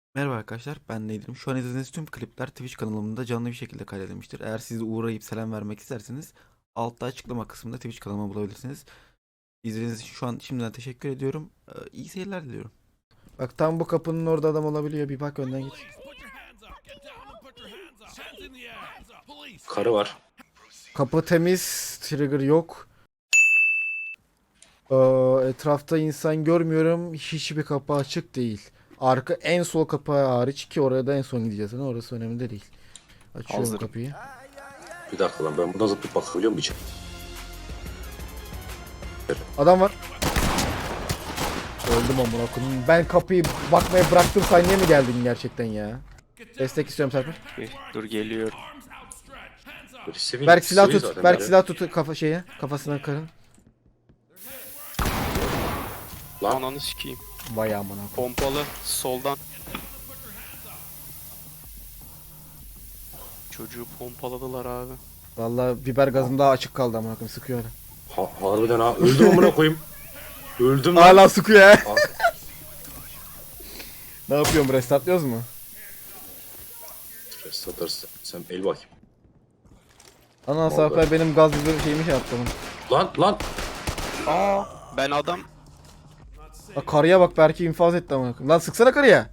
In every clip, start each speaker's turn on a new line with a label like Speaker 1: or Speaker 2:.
Speaker 1: Merhaba arkadaşlar, ben Nedim. Şu an izlediğiniz tüm klipler Twitch kanalımda canlı bir şekilde kaydedilmiştir. Eğer siz de uğrayıp selam vermek isterseniz altta açıklama kısmında Twitch kanalımı bulabilirsiniz. İzlediğiniz için şu an şimdiden teşekkür ediyorum. İyi seyirler diliyorum. Bak tam bu kapının orada adam olabiliyor. Bir bak önden git.
Speaker 2: Karı var.
Speaker 1: Kapı temiz, trigger yok. Etrafta insan görmüyorum. Hiçbir kapı açık değil. Arka en sol kapı hariç ki oraya da en son gideceğiz. Yani orası önemli de değil. Açıyorum
Speaker 3: Hazırım.
Speaker 1: kapıyı.
Speaker 2: Bir dakika lan, ben buradan zıplayıp bakabiliyor muyum içeri?
Speaker 1: Adam var. Öldüm amına koyayım. Ben kapıyı bakmaya bıraktım, sen niye mi geldin gerçekten ya? Destek istiyorum Serper.
Speaker 3: Dur geliyorum.
Speaker 2: Sivil,
Speaker 1: Berk silah
Speaker 2: sivil
Speaker 1: tut.
Speaker 2: zaten
Speaker 1: Berk
Speaker 2: ya.
Speaker 1: silah tut kafa şeye. Kafasına karın.
Speaker 2: Lan.
Speaker 3: Ananı sikeyim.
Speaker 1: Vay amına koyayım.
Speaker 3: Pompalı soldan. Çocuğu pompaladılar abi.
Speaker 1: Vallahi biber gazım daha açık kaldı amına koyayım, sıkıyor hala.
Speaker 2: Harbiden ha. Öldüm amına koyayım. Öldüm lan.
Speaker 1: Hala sıkıyor ya.
Speaker 2: Aa,
Speaker 1: Ne yapıyorum, restartlıyoruz mu?
Speaker 2: Satarsın. Sen el bakayım.
Speaker 1: Ana
Speaker 2: Vallahi.
Speaker 1: Serper benim gaz biber şeyimi şey yaptı.
Speaker 2: Lan.
Speaker 3: Aa, ben adam
Speaker 1: Bak karıya bak, Berk'i infaz etti amına koyayım. Lan sıksana karıya.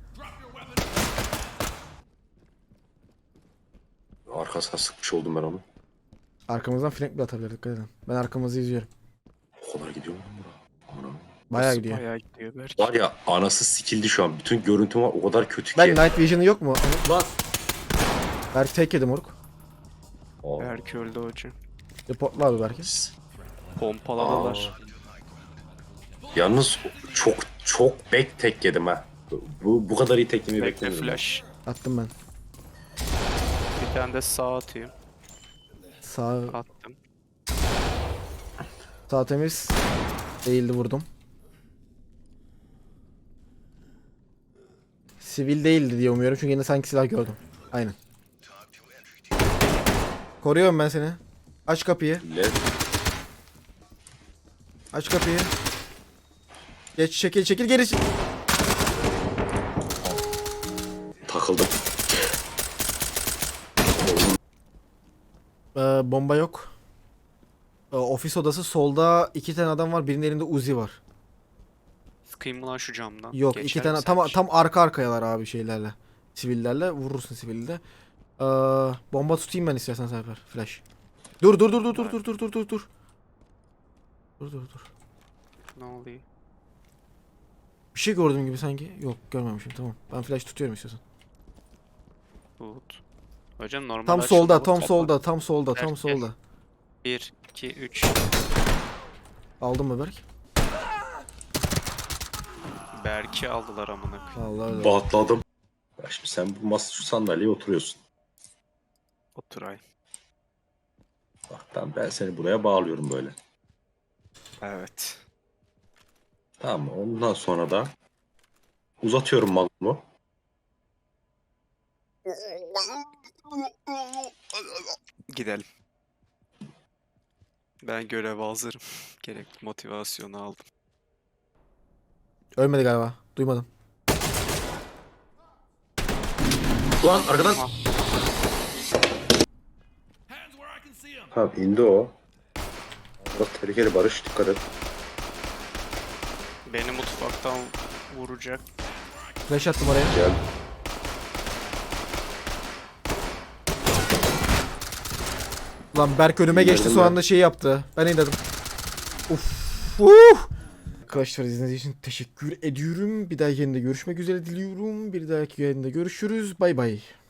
Speaker 2: Arkasına sıkmış oldum ben onu.
Speaker 1: Arkamızdan flank bir atabilir, dikkat edin. Ben arkamızı izliyorum.
Speaker 2: O kadar gidiyor mu lan bura? Aman.
Speaker 1: Bayağı gidiyor.
Speaker 3: bayağı gidiyor belki.
Speaker 2: Var ya, anası sikildi şu an. Bütün görüntüm var, o kadar kötü ki.
Speaker 1: Ben night vision'ı yok mu?
Speaker 2: Lan.
Speaker 1: Berk tek yedi moruk.
Speaker 2: Aa.
Speaker 3: Belki öldü hoca.
Speaker 1: Reportla abi Berk'i.
Speaker 3: Pompaladılar.
Speaker 2: Yalnız çok back tek yedim ha. Bu kadar iyi tek yemeyi
Speaker 3: Bekle
Speaker 2: beklemiyordum.
Speaker 3: flash.
Speaker 1: Attım ben.
Speaker 3: Bir tane de sağ atayım.
Speaker 1: Sağ
Speaker 3: Attım.
Speaker 1: Sağ temiz. Değildi, vurdum. Sivil değildi diye umuyorum çünkü yine sanki silah gördüm. Aynen. Koruyorum ben seni. Aç kapıyı.
Speaker 2: Led.
Speaker 1: Aç kapıyı. Geç, çekil geri.
Speaker 2: Takıldım.
Speaker 1: Bomba yok. Ofis odası solda, iki tane adam var. Birinin elinde Uzi var.
Speaker 3: Sıkayım mı lan şu camdan?
Speaker 1: Yok,
Speaker 3: Geçer
Speaker 1: iki
Speaker 3: mi
Speaker 1: tane
Speaker 3: sence?
Speaker 1: tam arka arkayalar abi şeylerle. Sivillerle vurursun sivilde. Bomba tutayım ben istersen Serper. Flash. Dur. Dur.
Speaker 3: Ne oluyor?
Speaker 1: Bir şey gördüm gibi sanki. Yok, görmemişim, tamam. Ben flash tutuyorum istiyorsan.
Speaker 3: Tut. Hocam normal
Speaker 1: Tam
Speaker 3: açılmalı
Speaker 1: solda,
Speaker 3: topla.
Speaker 1: tam solda.
Speaker 3: Gel. 1, 2, 3.
Speaker 1: Aldım mı Berk?
Speaker 3: Berk'i aldılar amına koyayım.
Speaker 1: Allah Allah.
Speaker 2: Bahtladım. Ya şimdi sen bu masa şu sandalyeye oturuyorsun.
Speaker 3: Oturay.
Speaker 2: Bak ben seni buraya bağlıyorum böyle.
Speaker 3: Evet.
Speaker 2: Tamam mı? Ondan sonra da uzatıyorum malımı.
Speaker 3: Gidelim. Ben göreve hazırım. Gerekli motivasyonu aldım.
Speaker 1: Ölmedi galiba. Duymadım.
Speaker 2: Lan arkadan.
Speaker 3: Aha.
Speaker 2: Tamam, indi o. Bak tehlikeli Barış, dikkat et.
Speaker 3: Beni mutfaktan vuracak.
Speaker 1: Flash attım oraya.
Speaker 2: Gel.
Speaker 1: Lan Berk önüme
Speaker 2: İndirdim
Speaker 1: geçti, son
Speaker 2: ben.
Speaker 1: anda şey yaptı. Ben indirdim. Uf. Arkadaşlar izlediğiniz için teşekkür ediyorum. Bir dahaki yayında görüşmek üzere diliyorum. Bir dahaki yayında görüşürüz. Bay bay.